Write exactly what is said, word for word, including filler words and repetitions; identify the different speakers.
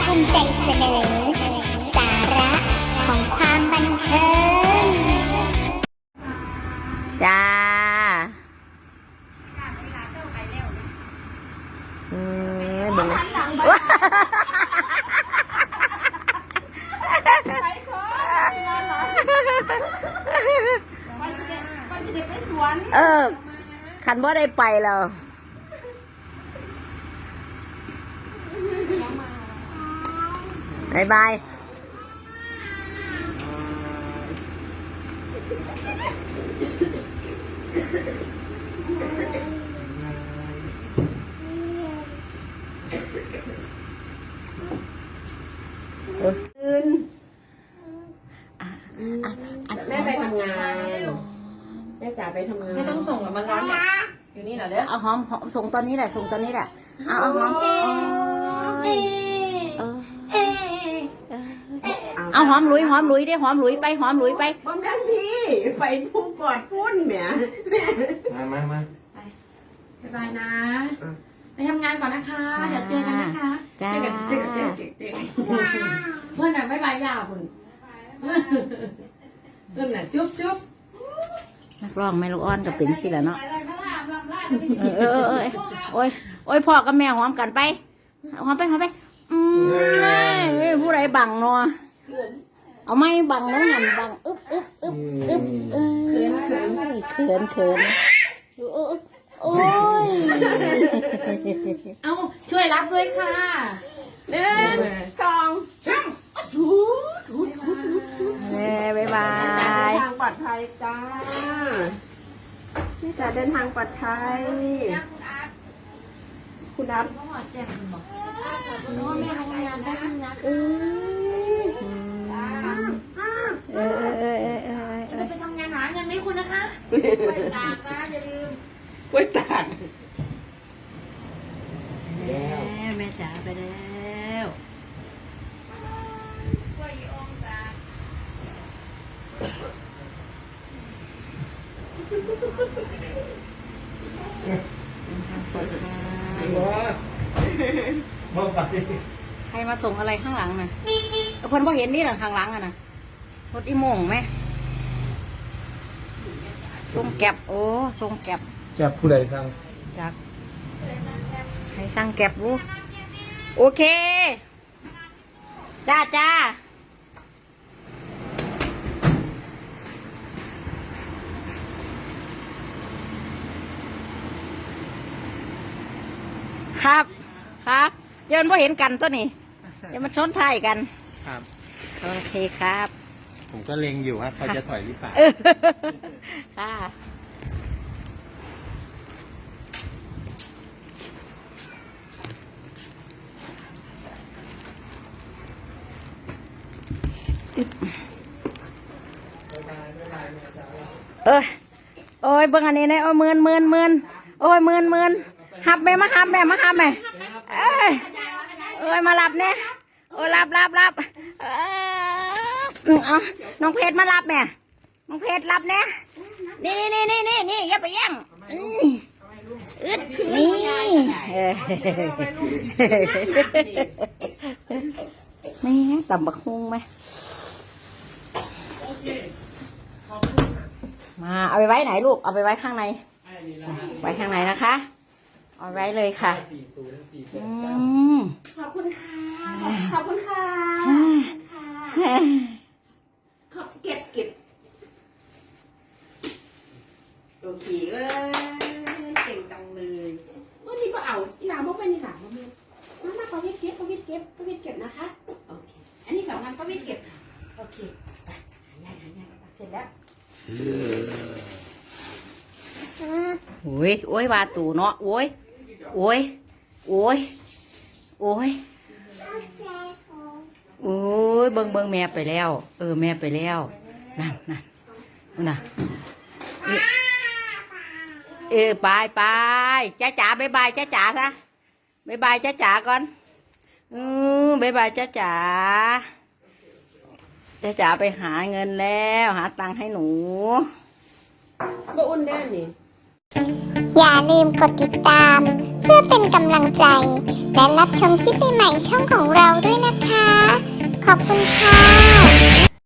Speaker 1: ภูมิใจเสนอสาระของความบันเทิง
Speaker 2: จ้าเออเบิ่งเลยเออขันบ่ได้ไปแล้วบายบายตื่น
Speaker 3: แม่ไปทำงานแม่จ๋าไปทำงาน
Speaker 4: ไม่ต้องส่งกับมันร้านเนี่ยอยู่นี่เหรอเด้อ
Speaker 2: เอาหอมหอมส่งตอนนี้แหละส่งตอนนี้แหละเอาเอาหอม
Speaker 4: เอเอ
Speaker 2: เอาหอมลุยหอมลุยได้หอมลุยไปหอมลุยไป
Speaker 3: บ้านแม่พี่ไปพุ่งกอดพุ่นแหม
Speaker 5: มามามา
Speaker 4: ไปบ๊ายบายนะไปทำงานก่อนนะคะเดี๋ยวเจอกันนะคะเจอกันเจอกันเจอกันเจอกันเพื่อนน่ะบ๊ายบายยาวคุณเพื่อนน่ะจุ๊บจุ๊บ
Speaker 2: นักร้องไม่ลูกอ้อนกับเป็นสิละเนาะเออเออเออโอ้ยโอ้ยพ่อกับแม่หอมกันไปหอมไปหอมไปอืมผู้ใดบังเนาะเอาไม่บังแล้วหันบังอึ๊บอึ๊บอึ๊บอึ๊บเขินเขินเขินเขินโอ้ย
Speaker 4: เอาช่วยรับด้วยค่ะ
Speaker 3: หนึ่งสองสามถูถูถูถู
Speaker 2: เฮ้บายบาย
Speaker 3: ทางปลอดภัยจ้าพี่จ๋าเดินทางปลอดภัยคุณนัท
Speaker 4: ก็หอดแจ้งคุณบอกว่าแม่ทำงานได้ทำงานเออ
Speaker 2: เออเออเออเออเออ
Speaker 4: จะไปทำงานหาเงินให้คุณนะคะไปตากนะอย่าลืม
Speaker 3: กล้วยตาก
Speaker 4: แม่แม่จ๋าไปแล้วกล้วยองศา
Speaker 2: ใครมาส่งอะไรข้างหลังน่ะเพิ่นพอเห็นนี่หลังข้างหลังอ่ะนะรถอีโมงไหมส่งแก็บโอ้ส่งแก็บ
Speaker 5: แก็บผู้ใดสั่ง
Speaker 2: จากใครสั่งแก็บรู้โอเคจ้าจ้าครับครับเดี๋ยวมันพอเห็นกันตัวนี้เดี๋ยวมันชนท้ายกัน
Speaker 5: ครับ
Speaker 2: โอเคครับ
Speaker 5: ผมก็เล็งอยู่ครับเขาจะถอยหรือเปล่า
Speaker 2: ค่ะเออโอ้ยเบิ่งอันนี้นะโอ้ยเมินเมินเมินโอ้ยเมินเมินหับแม่มาหับแม่มาหับแม่เอ้ยเอ้ยมารับเนี่ยโอ้ยรับรับรับเออเอาน้องเพชรมารับแม่น้องเพชรรับเนี่ยนี่นี่นี่นี่นี่อย่าไปแย่งอึดนี่นี่ต่ำบักฮุงไหมมาเอาไปไว้ไหนลูกเอาไปไว้ข้างในไว้ข้างในนะคะเอาไว้เลยค่ะ
Speaker 3: ขอบคุณค่ะขอบคุณค่ะขอบเก็บเก็บโอเคเอ้ยเก่งจังเลยวันนี้ก็เอาอีหลาบอกไปนี่หลาบอกเมียมามาประวิตรเก็บประวิตรเก็บประวิตรเก็บนะคะโอเคอันนี้สองงานประวิตรเก็บโอเคไปหายายหายายเสร็จแล้ว
Speaker 2: โอ้ยโอ้ยวาตูเนาะโอ้ยโอ้ยโอ้ยโอ้ยโอ้ยเบิ่งเบิ่งแม่ไปแล้วเออแม่ไปแล้วนั่นนั่นน่ะเออไปไปจ้าจ๋าบายบายจ้าจ๋าซะบายบายจ้าจ๋าก่อนอือบายบายจ้าจ๋าจ้าจ๋าไปหาเงินแล้วหาตังค์ให้หนู
Speaker 3: บ่อุ่นได้นี่
Speaker 1: อย่าลืมกดติดตามเพื่อเป็นกำลังใจและรับชมคลิปใหม่ๆช่องของเราด้วยนะคะอบคุณค่ะ